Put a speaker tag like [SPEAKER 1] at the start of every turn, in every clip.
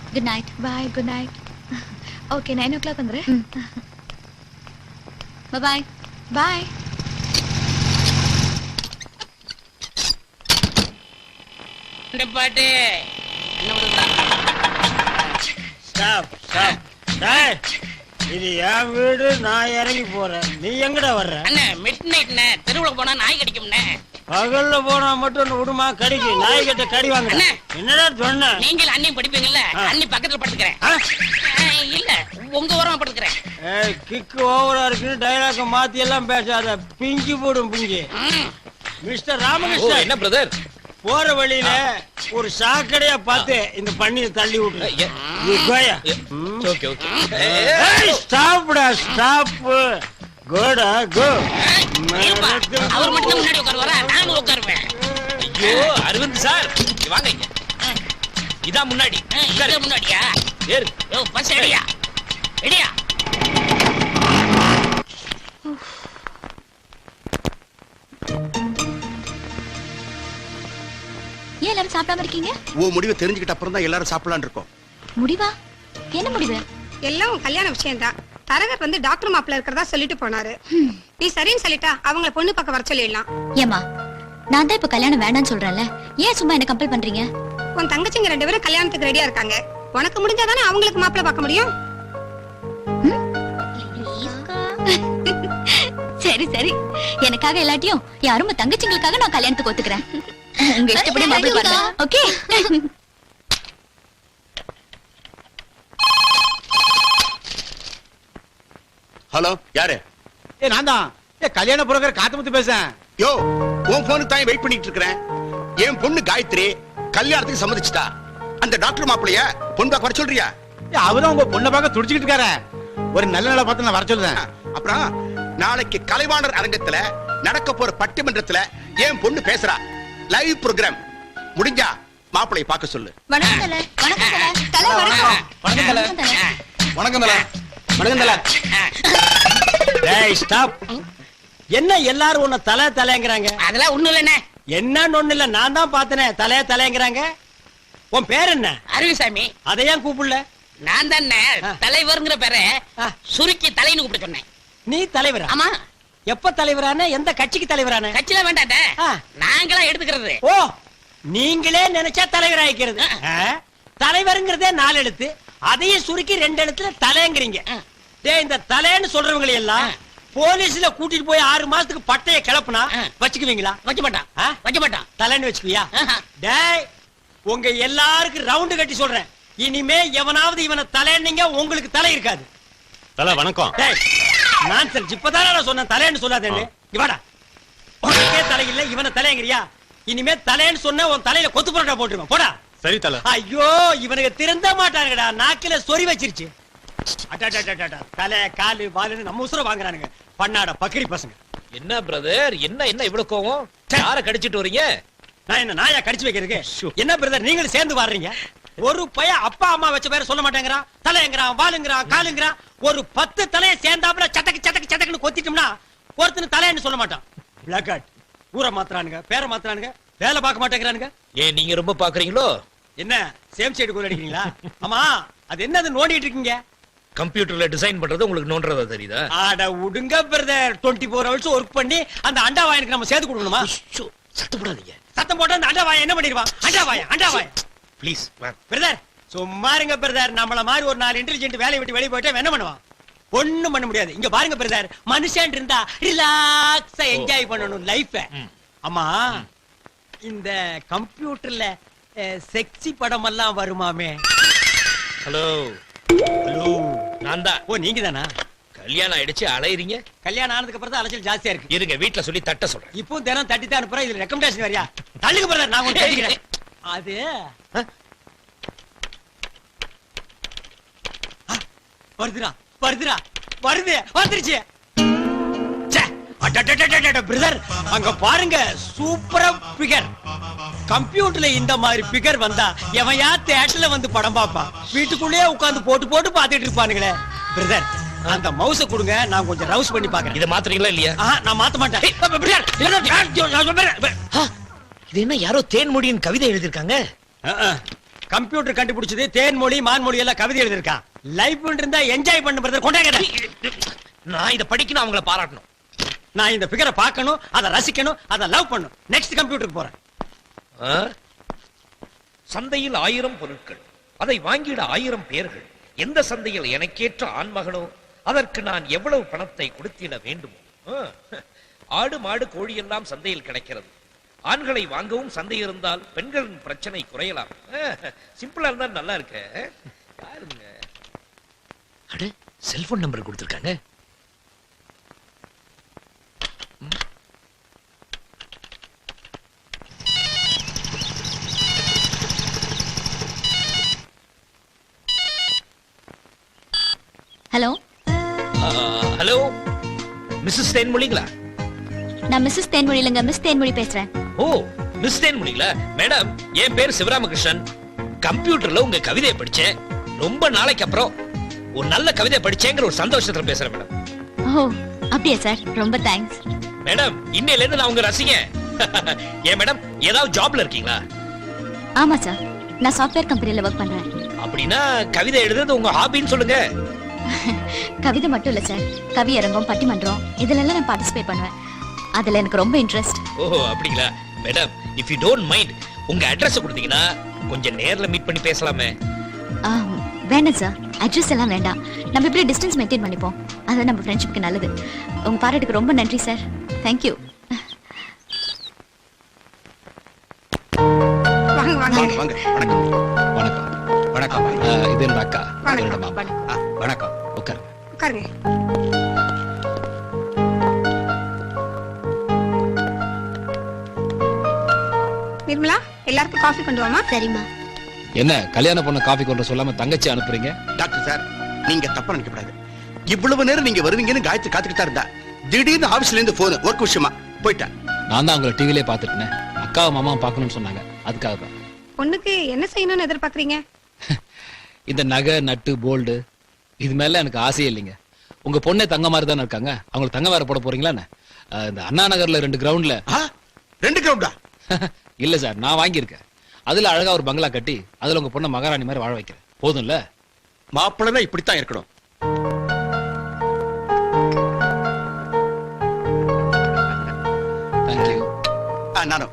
[SPEAKER 1] Good night.
[SPEAKER 2] Bye, good night. Okay, 9 o'clock வந்துரு.
[SPEAKER 1] பாய்
[SPEAKER 2] பாய்.
[SPEAKER 3] இந்த பாட்டு
[SPEAKER 4] ஸ்டாப் ஸ்டாப். டேய், இது என் வீடு, நான் இறங்கி போறேன். நீ எங்கடா வர்ற?
[SPEAKER 3] அண்ணே மிட் நைட்ண்ணே, தெருவுல போனா நாய் கடிக்கும்ண்ணே.
[SPEAKER 4] பகல்ல போனா மட்டும் விடுமா கடிக்கு? நாய் கிட்ட கடி வாங்க.
[SPEAKER 3] அண்ணே.
[SPEAKER 4] என்னடா சொன்ன?
[SPEAKER 3] நீங்கள் அண்ணி படிப்பீங்கல்ல, அண்ணி பக்கத்துல படுத்துக்கிறேன். இல்ல உங்க ஓரமா படுத்துக்கிறேன்.
[SPEAKER 4] கிக்கு ஓவரா இருக்குன்னு டைலாக மாத்தி எல்லாம் பேசாத, பிஞ்சு போடும் பிஞ்சு. மிஸ்டர் ராமகிருஷ்ணன்,
[SPEAKER 5] என்ன பிரதர்?
[SPEAKER 4] போற வழியில ஒரு சாக்கடையா பார்த்து இந்த பண்ணியை தள்ளி விட்டு.
[SPEAKER 5] Okay okay.
[SPEAKER 4] ஸ்டாப்டா ஸ்டாப். கோடா கோ.
[SPEAKER 3] அவர் மட்டும் முன்னாடி உட்காருவாரா? நானும் உட்காருவேன்.
[SPEAKER 5] ஐயோ அரவிந்த் சார், வாங்க இங்க. இதான் முன்னாடி.
[SPEAKER 3] இங்க முன்னாடியா?
[SPEAKER 5] ஏறு.
[SPEAKER 3] யோ பஸ் ரெடியா? ரெடியா?
[SPEAKER 1] ஏன் எல்லாரும் சாப்பிடாம இருக்கீங்க?
[SPEAKER 6] முடிவை தெரிஞ்சுக்கிட்ட அப்புறம் தான் எல்லாரும் சாப்பிடலாம்னு இருக்கோம்.
[SPEAKER 1] முடிவா? என்ன முடிவு?
[SPEAKER 2] எல்லாம் உன் கல்யாண விஷயம் தான். தரகர் வந்து டாக்டர் மாப்பிள்ள இருக்கிறதா சொல்லிட்டு போனாரு. நீ சரின்னு சொல்லிட்டா அவங்கள பொண்ணு பக்கம் வர சொல்லிடலாம்.
[SPEAKER 1] ஏமா, நான் தான் இப்ப கல்யாணம் வேண்டாம்னு சொல்றேன்ல, ஏன் சும்மா என்ன கம்பல் பண்றீங்க?
[SPEAKER 2] உன் தங்கச்சிங்க 2 பேரும் கல்யாணத்துக்கு ரெடியா இருக்காங்க. உனக்கு முடிஞ்சாதானே அவங்களுக்கு மாப்பிள்ள பார்க்க முடியும்.
[SPEAKER 1] சரி சரி, எனக்காக எல்லாத்தையும் யாரும் தங்கச்சிங்களுக்காக நான் கல்யாணத்துக்கு ஒத்துக்கிறேன். உங்க இஷ்டப்படி மாப்பிள்ளை பாருங்க. ஓகே.
[SPEAKER 6] ஹலோ, யாரு?
[SPEAKER 7] நான் தான் கல்யாண புரோக்கர் காத்தமுத்து பேசுறேன்.
[SPEAKER 6] யோ, உன் போனுக்கு தான் வெயிட் பண்ணிட்டு இருக்கிறேன். என் பொண்ணு காயத்ரி கல்யாணத்துக்கு சம்மதிச்சிட்டா. அந்த டாக்டர் மாப்பிளைய பொண்ணு பார்க்க வர சொல்றியா?
[SPEAKER 7] அவரும் உங்க பொண்ணை பார்க்க துடிச்சுக்கிட்டு இருக்காரு. ஒரு நல்ல நாளை பார்த்து நான் வர சொல்லுறேன்.
[SPEAKER 6] அப்புறம் நாளைக்கு கலைவாணர் அரங்கத்துல நடக்க போற பட்டிமன்றத்துல என் பொண்ணு பேசுறா. Live program. முடிஞ்சா மாப்பிளைய பார்க்க சொல்லு.
[SPEAKER 1] வணக்கம் தல. வணக்கம் தல. தல வணக்கம்.
[SPEAKER 7] வணக்கம் தல.
[SPEAKER 6] வணக்கம் தல.
[SPEAKER 7] வணக்கம் தல.
[SPEAKER 4] டேய் ஸ்டாப். என்ன எல்லாரும் உன்னை தலை தலைங்கறாங்க?
[SPEAKER 3] அதெல்லாம் ஒண்ணும் இல்லண்ணே.
[SPEAKER 4] என்னன்னு ஒண்ணு இல்ல, நான் தான் பார்த்தனே தலைய தலைங்கறாங்க. உன் பேர் என்ன?
[SPEAKER 3] அருவிசாமி.
[SPEAKER 4] அதை ஏன் கூப்பிடல?
[SPEAKER 3] நான் தானே தலைவர்ங்கிற பேரை சுருக்கி தலைன்னு கூப்பிட சொன்னேன்.
[SPEAKER 4] நீ தலைவரா?
[SPEAKER 3] ஆமா.
[SPEAKER 4] எப்ப தலைவரான? எந்த கட்சிக்கு தலைவரான?
[SPEAKER 3] கட்சியில வேண்டாட்டே, நாங்களா எடுத்துக்கிறது.
[SPEAKER 4] ஓ, நீங்களே நினைச்சா தலைவர் ஆயிக்கிறது. தலைவருங்கிறதே 4 எழுத்து, அதையும் சுருக்கி 2 எழுத்துல தலைங்கிறீங்க. டேய், இந்த தலைன்னு சொல்றவங்களை எல்லாம் போலீஸ்ல கூட்டிட்டு போய் 6 மாசத்துக்கு பட்டைய கிளப்புனா வச்சுக்குவீங்களா?
[SPEAKER 3] வைக்க மாட்டான். வைக்க மாட்டான்.
[SPEAKER 4] தலைன்னு வச்சுக்குவியா? டேய், உங்க எல்லாருக்கும் ரவுண்டு கட்டி சொல்றேன், இனிமே எவனாவது இவனை தலைன்னீங்க உங்களுக்கு தலை இருக்காது.
[SPEAKER 5] தல வணக்கம்.
[SPEAKER 4] டேய், நான்சென்ஸ். இப்பதானே நான் சொன்னேன் தலைன்னு சொல்லாதேன்னு. இவாடா, உனக்கே தலை இல்ல, இவனை தலைங்கிறியா? இனிமே தலைன்னு சொன்ன உன் தலையில கொத்து புரோட்டா போட்டுருவேன். போடா.
[SPEAKER 5] சரி தல.
[SPEAKER 4] ஐயோ, இவனுக்கு திருந்த மாட்டானுங்கடா, நாக்கில சொறி வச்சிருச்சு. தலை காலு வாலுன்னு நம்ம உசுர வாங்குறானுங்க, பண்ணாட பக்கிரி பசங்க.
[SPEAKER 5] என்ன பிரதர், என்ன என்ன இவ்வளவு கோவம்? யார கடிச்சிட்டு வரீங்க?
[SPEAKER 4] நான் என்ன நாயா கடிச்சு வைக்கிறதுக்கு? என்ன பிரதர், நீங்களும் சேர்ந்து வர்றீங்க? ஒரு பைய அப்பா அம்மா வச்ச பேரை சொல்ல மாட்டேங்கிறான். தலைங்கிறான், வாலுங்கிறான், காலுங்கிறான். ஒரு 10 தலையை சேர்ந்தாப்புல சட்டக்கு சட்டக்கு சட்டக்குன்னு கொத்திட்டோம்னா ஒருத்தனு தலைன்னு சொல்ல மாட்டான். பிளாக் ஊரை மாத்துறானுங்க, பேரை மாத்துறானுங்க, வேலை பார்க்க மாட்டேங்கிறானுங்க.
[SPEAKER 5] ஏன் நீங்க ரொம்ப பாக்குறீங்களோ?
[SPEAKER 4] என்ன சேம் சைடு கோல் அடிக்கிறீங்களா? ஆமா, அது என்னது நோண்டிட்டு இருக்கீங்க?
[SPEAKER 5] கம்ப்யூட்டர்ல டிசைன் பண்றது உங்களுக்கு நோன்றதா தெரியுதா?
[SPEAKER 4] ஆட உடுங்க பிரதர், 24 hours ஒர்க் பண்ணி அந்த அண்டா வாயனுக்கு நம்ம சேர்த்து கொடுக்கணுமா?
[SPEAKER 5] சத்தம் போடாதீங்க.
[SPEAKER 4] சத்தம் போட்டா அந்த அண்டா வாயன் என்ன பண்ணிடுவான்? அண்டா வாயன்
[SPEAKER 5] ப்ளீஸ்
[SPEAKER 4] பிரதர், சும்மா இருங்க பிரதர். நம்மள மாதிரி ஒரு 4 இன்டெலிஜென்ட் வேலையை விட்டு வெளியே போயிட்டா என்ன பண்ணுவான்? ஒண்ணும் பண்ண முடியாது. இங்க பாருங்க பிரதர், மனுஷன் இருந்தா ரிலாக்ஸா என்ஜாய் பண்ணணும் லைஃப. ஆமா, இந்த கம்ப்யூட்டர்ல செக்ஸி படம் எல்லாம் வருமாமே?
[SPEAKER 5] ஹலோ
[SPEAKER 4] ஹலோ,
[SPEAKER 5] நான் தான்.
[SPEAKER 4] ஓ, நீங்க தானா?
[SPEAKER 5] கல்யாணம் ஆயிடுச்சு, அலையறீங்க.
[SPEAKER 4] கல்யாணம் ஆனதுக்கு அப்புறம் தான் அலைச்சல் ஜாஸ்தியா இருக்கு.
[SPEAKER 5] இருங்க, வீட்டுல சொல்லி தட்ட சொல்றேன்.
[SPEAKER 4] இப்போ தினம் தட்டி தான் அனுப்புறேன். இதுல ரெக்கமெண்டேஷன் வரியா? தள்ளுங்க பிரதர், நான் உங்களுக்கு கேட்கிறேன். அது வருதுடா, வருதுடா, வருது, வந்துருச்சு. பிரதர், அங்க பாருங்க, சூப்பரா பிகர். கம்ப்யூட்டர்ல இந்த மாதிரி பிகர் வந்தா எவன் யா தியேட்டர்ல வந்து படம் பாப்பான்? வீட்டுக்குள்ளேயே உட்கார்ந்து போட்டு போட்டு பாத்துட்டு இருப்பானுங்களே. பிரதர், அந்த மவுஸ கொடுங்க, நான் கொஞ்சம் ரவுஸ் பண்ணி பாக்குறேன்.
[SPEAKER 5] இத மாத்துறீங்களா இல்லையா?
[SPEAKER 4] நான் மாத்த மாட்டேன்.
[SPEAKER 5] இது என்ன யாரோ தேன்மொழியின் கவிதை எழுதிருக்காங்க?
[SPEAKER 4] கம்ப்யூட்டர் கண்டுபிடிச்சது தேன்மொழி மான்மொழி எல்லாம் கவிதை எழுதிருக்கான். லைஃப் இருந்தா என்ஜாய் பண்ண பிரதர். கொண்டாங்க.
[SPEAKER 5] நான் இத படிக்கணும், அவங்கள பாராட்டணும்.
[SPEAKER 4] நான் இந்த பிகரை பார்க்கணும், அதை ரசிக்கணும், அதை லவ் பண்ணணும். நெக்ஸ்ட் கம்ப்யூட்டருக்கு போறேன்.
[SPEAKER 5] ஆ? சந்தையில் 1000 பொருட்கள், அதை வாங்கிட 1000 பேர்கள். எந்த சந்தையில் எனக்கேற்ற ஆண்மகனோ அதற்கு நான் எவ்வளவு பணத்தை கொடுத்திட வேண்டுமோ? ஆடு மாடு கோழி எல்லாம் சந்தையில் கிடைக்கிறது. ஆண்களை வாங்கவும் சந்தை இருந்தால் பெண்களின் பிரச்சனை குறையலாம். சிம்பிளா இருந்தா நல்லா இருக்க. பாருங்க. அட, செல்போன் நம்பர் கொடுத்திருக்காங்க.
[SPEAKER 1] ஹலோ,
[SPEAKER 5] ஹலோ, மிஸ்ஸஸ் தேன்மொழிங்களா?
[SPEAKER 1] நான் மிஸ்ஸஸ் தேன்மொழி இல்லைங்க, மிஸ் தேன்மொழி பேசுறேன்.
[SPEAKER 5] ஓ, மிஸ் தேன்மொழிங்களா? மேடம், என் பேர் சிவராமகிருஷ்ணன். கம்ப்யூட்டர்ல உங்க கவிதையை படிச்சேன். ரொம்ப நாளைக்கு அப்புறம் ஒரு நல்ல கவிதை படிச்சேங்கிற ஒரு சந்தோஷத்துல பேசுறேன் மேடம்.
[SPEAKER 1] ஓ, அப்படியா சார்? ரொம்ப தேங்க்ஸ்.
[SPEAKER 5] மேடம், இன்னையில இருந்து நான் உங்க ரசிகன். ஏன் மேடம், ஏதாவது ஜாப்ல இருக்கீங்களா?
[SPEAKER 1] ஆமா சார், நான் சாஃப்ட்வேர் கம்பெனில ஒர்க் பண்றேன்.
[SPEAKER 5] அப்படின்னா கவிதை எழுதுறது உங்க ஹாபின்னு சொல்லுங்க.
[SPEAKER 1] கவிதை மட்டும் இல்ல சார், கவி அரங்கம், பட்டிமன்றம் இதுலெல்லாம் நான் பார்ட்டிசிபேட் பண்ணுவேன். அதுல எனக்கு ரொம்ப இன்ட்ரெஸ்ட்.
[SPEAKER 5] ஓ, அப்படிங்களா? Madam, if you don't mind, உங்க அட்ரஸ் கொடுத்தீங்கன்னா கொஞ்சம் நேர்ல மீட் பண்ணி பேசலாமே.
[SPEAKER 1] வேண்டாம் சார், அட்ரஸ் எல்லாம் வேண்டாம். நம்ம இப்படி டிஸ்டன்ஸ் மெயின்டைன் பண்ணிப்போம். அது நம்ம ஃப்ரெண்ட்ஷிப்க்கு நல்லது. உங்க பாராட்டுக்கு ரொம்ப நன்றி சார். தேங்க்யூ.
[SPEAKER 2] வாங்க வாங்க.
[SPEAKER 6] வாங்க வணக்கம்.
[SPEAKER 8] வணக்கம். வணக்கம். இது என்னோட அக்கா.
[SPEAKER 2] வணக்கம்.
[SPEAKER 8] என்னோட மாமா. வணக்கம். உட்கார்.
[SPEAKER 2] உட்காருங்க. நிர்மலா, எல்லாருக்கும் காஃபி கொண்டு வாமா.
[SPEAKER 1] சரிம்மா.
[SPEAKER 8] என்ன கல்யாண பொண்ணு காஃபி கொண்டு சொல்லாம தங்கச்சி அனுப்புறீங்க?
[SPEAKER 6] டாக்டர் சார், நீங்க தப்பா நினைக்கக்கூடாது. இவ்வளவு நேரம் நீங்க வருவீங்கன்னு காயத்ரி காத்துக்கிட்டா இருந்தா, திடீர்னு ஆபீஸ்ல இருந்து போன் ஒர்க் விஷயமா போயிட்டேன்.
[SPEAKER 8] நான் தான் உங்களை டிவிலே பார்த்துட்டேன். அக்காவும் மாமாவும் பார்க்கணும்னு சொன்னாங்க, அதுக்காக தான்.
[SPEAKER 2] பொண்ணுக்கு என்ன செய்யணும்னு எதிர்பார்க்கறீங்க?
[SPEAKER 8] இந்த நகை நட்டு போல்டு இது மேல எனக்கு ஆசையே இல்லைங்க. உங்க பொண்ணே தங்க மாதிரி தானே இருக்காங்க, அவங்களுக்கு தங்க வேற போட போறீங்களா? இந்த அண்ணா நகர்ல 2 கிரவுண்ட்ல
[SPEAKER 6] 2 கிரவுண்டா?
[SPEAKER 8] இல்ல சார், நான் வாங்கியிருக்கேன். அதுல அழகா ஒரு பங்களா கட்டி அதுல உங்க பொண்ணை மகாராணி மாதிரி வாழ வைக்கிறேன். போதும்ல?
[SPEAKER 6] மாப்பிள்ளை இப்படித்தான் இருக்கணும்.
[SPEAKER 8] தேங்க்யூ.
[SPEAKER 6] நானும்.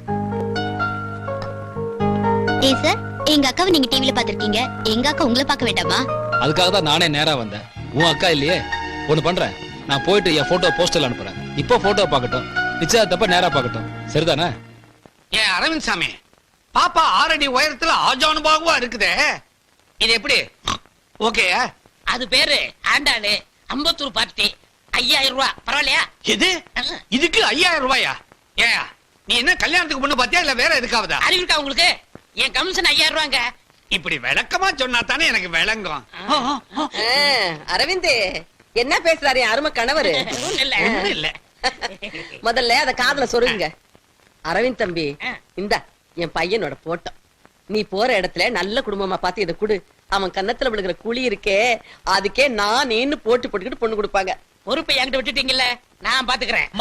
[SPEAKER 1] ஏய் சார், எங்க அக்காவை நீங்க டிவில பாத்திருக்கீங்க, எங்க அக்கா உங்களை பார்க்க வேண்டாமா?
[SPEAKER 8] அதுக்காக தான் நானே நேரா வந்தேன். உன் அக்கா இல்லையே, ஒண்ணு பண்றேன், நான் போயிட்டு என் போட்டோ போஸ்டர்ல அனுப்புறேன். இப்போ போட்டோ பார்க்கட்டும், நிச்சயத்தப்ப நேரா பார்க்கட்டும். சரிதானே?
[SPEAKER 9] ஏன் அரவிந்த் சாமி, பாப்பா 6 அடி உயரத்துல ஆஜானுபாகுவா இருக்குதே, இது எப்படி ஓகே?
[SPEAKER 3] அது பேரு ஆண்டாளு, அம்பத்தூர் பார்ட்டி, 5000 ரூபாய். பரவாயில்லையா?
[SPEAKER 9] இது இதுக்கு 5000 ரூபாயா? ஏன் நீ என்ன கல்யாணத்துக்கு பொண்ணு பாத்தியா இல்ல வேற எதுக்காவதா?
[SPEAKER 3] அறிவு இருக்கா உங்களுக்கு? என் கமிஷன் 5000 ரூபாங்க.
[SPEAKER 9] இப்படி விளக்கமா சொன்னா தானே எனக்கு விளங்கும்.
[SPEAKER 10] அரவிந்த் என்ன பேசுறாரு என் அருமை கணவரு?
[SPEAKER 3] ஒண்ணும் இல்ல.
[SPEAKER 9] ஒண்ணும் இல்ல.
[SPEAKER 10] முதல்ல அத காதுல சொருங்க. அரவிந்த் தம்பி, இந்த என் பையனோட போட்டோ. நீ போற இடத்துல நல்ல குடும்பமா பார்த்து இதை குடு. அவன் கன்னத்துல விழுகிற குழி இருக்கே, அதுக்கே நான் நீன்னு போட்டுக்கிட்டு பொண்ணு கொடுப்பாங்க.
[SPEAKER 3] பொறுப்பை என்கிட்ட விட்டுட்டீங்கல்ல, நான் பாத்துக்கிறேன்.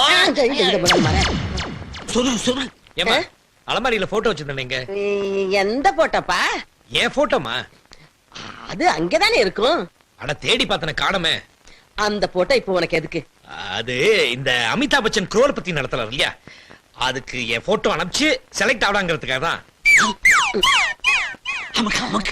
[SPEAKER 5] ஏமா அலமாரியில போட்டோ வச்சிருந்தேங்க.
[SPEAKER 10] எந்த போட்டோப்பா?
[SPEAKER 5] ஏன் போட்டோமா?
[SPEAKER 10] அது அங்கதானே இருக்கும்.
[SPEAKER 5] அட, தேடி பார்த்தன காணமே.
[SPEAKER 10] அந்த போட்டோ இப்போ உனக்கு எதுக்கு?
[SPEAKER 5] அது இந்த அமிதாப் பச்சன் குரோர்பதி நடத்தலாம் இல்லையா, அதுக்கு என் போட்டோ அனுப்பிச்சு செலக்ட் ஆகலாங்கிறதுக்காக தான்.
[SPEAKER 9] நமக்கு நமக்கு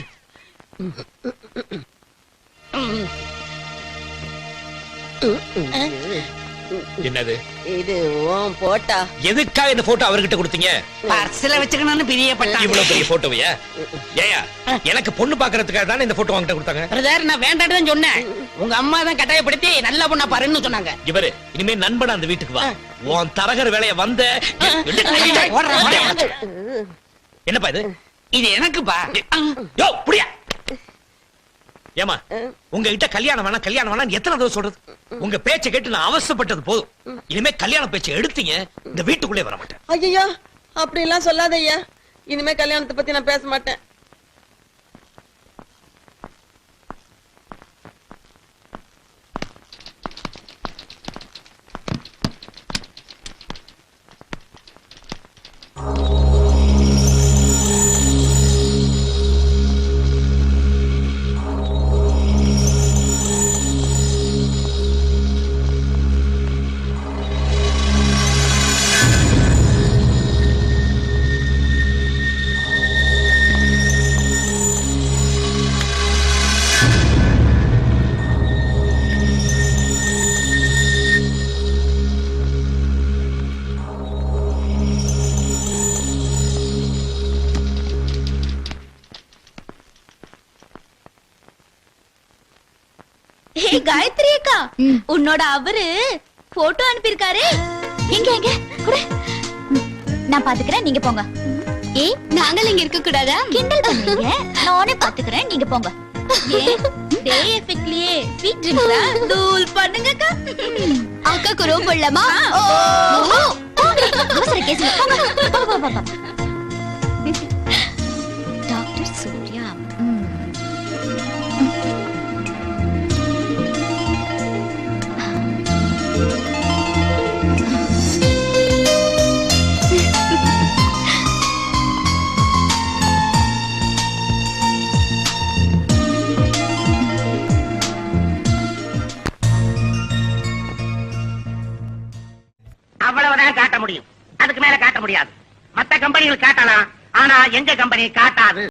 [SPEAKER 5] என்னது
[SPEAKER 10] இது உன் போட்டா?
[SPEAKER 5] எதுக்காக இந்த போட்டோ அவர்கிட்ட கொடுத்தீங்க?
[SPEAKER 3] பர்ஸ்ல வச்சுக்கணும்னு பிரியப்பட்டான்.
[SPEAKER 5] இவ்வளவு பெரிய போட்டோவையா? ஏயா, எனக்கு பொண்ணு பாக்குறதுக்காக தானே இந்த போட்டோ வாங்கிட்ட கொடுத்தாங்க.
[SPEAKER 3] பிரதர், நான் வேண்டான்னு தான் சொன்னேன். உங்க அம்மா தான் கட்டாயப்படுத்தி நல்ல பொண்ணா பாருன்னு சொன்னாங்க.
[SPEAKER 5] இவரு இனிமே நண்பன் அந்த வீட்டுக்கு வா, உன் தரகர் வேலைய வந்த. என்னப்பா இது?
[SPEAKER 9] இது எனக்குப்பா.
[SPEAKER 5] யோ, புடியா. ஏமா, உங்ககிட்ட கல்யாணம் வேணாம் எத்தனை தடவை சொல்றது? உங்க பேச்சை கேட்டு நான் அவசரப்பட்டது போதும். இனிமே கல்யாண பேச்சை எடுத்தீங்க, இந்த வீட்டுக்குள்ளே வர மாட்டேன்.
[SPEAKER 10] ஐயா, அப்படி எல்லாம் சொல்லாத ஐயா. இனிமே கல்யாணத்தை பத்தி நான் பேச மாட்டேன்.
[SPEAKER 1] ஏய் காயத்ரி அக்கா, உன்னோட அவரு போட்டோ அனுப்பியிருக்காரு. எங்க எங்க குடு. நான் பாத்துக்கிறேன், நீங்க போங்க. ஏய் நாங்கள் இங்க இருக்க கூடாதா? கிண்டல் பண்ணீங்க. நானே பாத்துக்கிறேன், நீங்க போங்க. டே எஃபெக்ட்லியே ஸ்வீட் ட்ரிங்க்ஸா தூள் பண்ணுங்க அக்கா. அக்காக்கு ரொம்ப இல்லமா? அவசர கேஸ். டாக்டர் சூர்யா.
[SPEAKER 3] அவ்வளவுதான் காட்ட முடியும், அதுக்கு மேல காட்ட முடியாது. மத்த கம்பெனிகள் காட்டலாம், ஆனா எங்க கம்பெனி காட்டாது.